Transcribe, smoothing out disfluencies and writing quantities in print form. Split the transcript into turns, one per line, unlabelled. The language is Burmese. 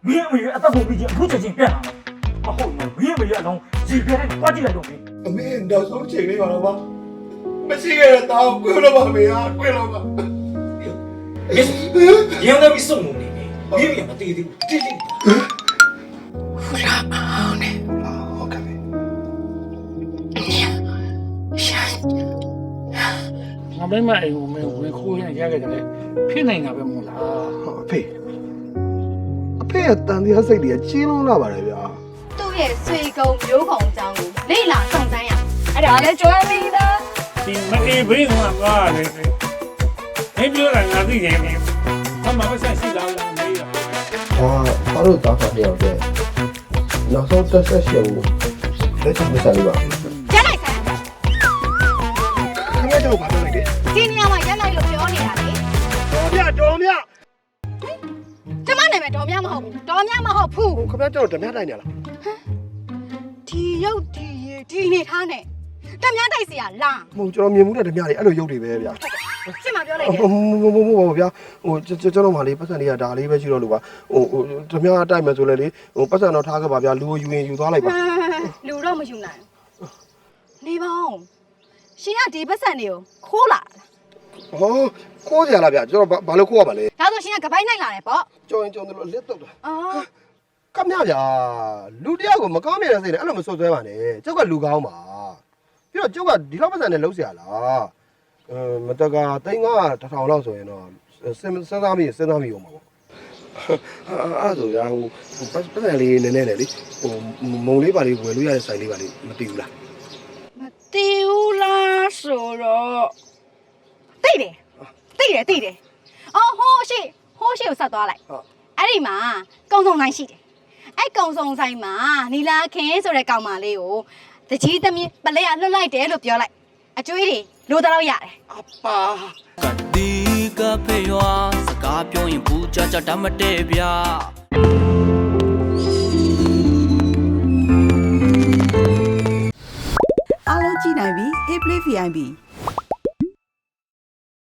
မင်းအမေအသက်ကိုပြီးချင်းအခုချက်ချင်းပြန်လာမဟုတ်ဘူးမင်းအမေအလုံးရေပြဲတဲ့တွားကြည့်လိုက်တော့မင်း
အမေနောက်ဆုံးချိန်လေးပါတော့ပါမရှိခဲ့တဲ့တောင်းကွလို့ပါမေဟာကွလို့ပါ
ရန်တော့ပြီးဆုံးနေပြီမင်းမတည်သေးဘူးတိတိ
ဖူလာအောင်နဲ့
ဟုတ်ကဲ့
ငါမိမအိမ်ကိုမင်းဝင်ခိုးရင်ရခဲ့တယ်လေဖြစ်နေတာပဲမို့လား
အဖေရဲ့တန်တရားစိတ်တွေကကြီးလုံးလာပါတယ်ဗျာ
သူ့ရဲ့ဆွေကုံမျိုးခုံအကြောင်းကိုလေ့လာစုံစမ်းရအဲ့ဒါလည်းကျွမ်းပြီးသား
ဒီမအေးဘေးကငါလေမင်းပြောတာငါသိရင်မင်းအမမဆက်ရှိလားမေးရ
ဘာလို့တောင်းတာပြောတဲ့နောက်ဆုံးတက်ဆက်ရှင်ကိုလက်ချမစားလို့ပါ
ရက်လိုက်ဆိုင်
ခင်ဗျားတို့ဘာပြောလိုက်လဲ
ဒီနေရာမှာရက်လိုက်လို့ပြောနေတာလေ
တော်မြ
ကျမနာမည်တော်မြမဟုတ်ဘူးတော်မြမဟုတ်ဘူး
ခင်ဗျားတို့ဓမြတိုက်နေလား
ဒီရုပ်ဒီရည်ဒီနေထားနဲ့တမများတိုက်เสียလား
မဟုတ်ကျွန်တော်မြင်မှုတဲ့ဓမြတွေအဲ့လိုရုပ်တွေပဲဗျာ
ရှင်းမပြောလိုက်တယ်
မဗျာကျွန်တော်မှလေပတ်စံတွေကဒါလေးပဲရှိတော့လို့ပါဓမြတိုက်မယ်ဆိုလဲလေပတ်စံတော့ထားခဲ့ပါဗျာလူကိုယူရင်ယူသွားလိုက်ပါ
လူတော့မယူနိုင်နေပါဦးရှင်ကဒီပတ်စံတွေကိုခိုးလာ
ဟောခိုးကြလားဗျာကျွန်တော်ဘာလို့ခိုးရပါလဲ
ဒါဆိုရှင်ကကပိုင်းနိုင်လာတယ်ပေါ့
ကြော်ရင်ကြော်တယ်လို့လက်တော့တာ
အော်
ကမြဗျာလူတယောက်ကိုမကောင်းနေတဲ့စိတ်နဲ့အဲ့လိုမဆွဆွဲပါနဲ့ကျောက်ကလူကောင်းပါပြီးတော့ကျောက်ကဒီလောက်ပတ်စံနဲ့လှုပ်เสียလားမတက်ကတိန်က1000လောက်ဆိုရင်တော့စဉ်းစားမိအောင်ပါပေါ့အဲ့ဆိုရဟိုပတ်စံလေးနည်းနည်းလေဟိုမုံလေးပါလေးဝယ်လို့ရတဲ့ဆိုင်လေးပါလေးမတည်ဘူးလား
မတီးဘူးလားဆိုတော့တိတ်တယ်အော်ဟိုးရှိကိုဆက်သွားလိုက်အဲ့ဒီမှာကုံစုံဆိုင်ရှိတယ်အဲ့ကုံစုံဆိုင်မှာနီလာခင်ဆိုတဲ့ကောင်မလေးကိုတကြီးသမီးပလဲရလွတ်လိုက်တယ်လို့ပြောလိုက်အကျွေးတွေလိုတော့ရတယ်
အပါ
ကတိကဖေရွာစကားပြောရင်ဘူးကြတတ်မတည့်ဗျာ
အားလုံးကြည့်နိုင်ပြီ Hey Play VIP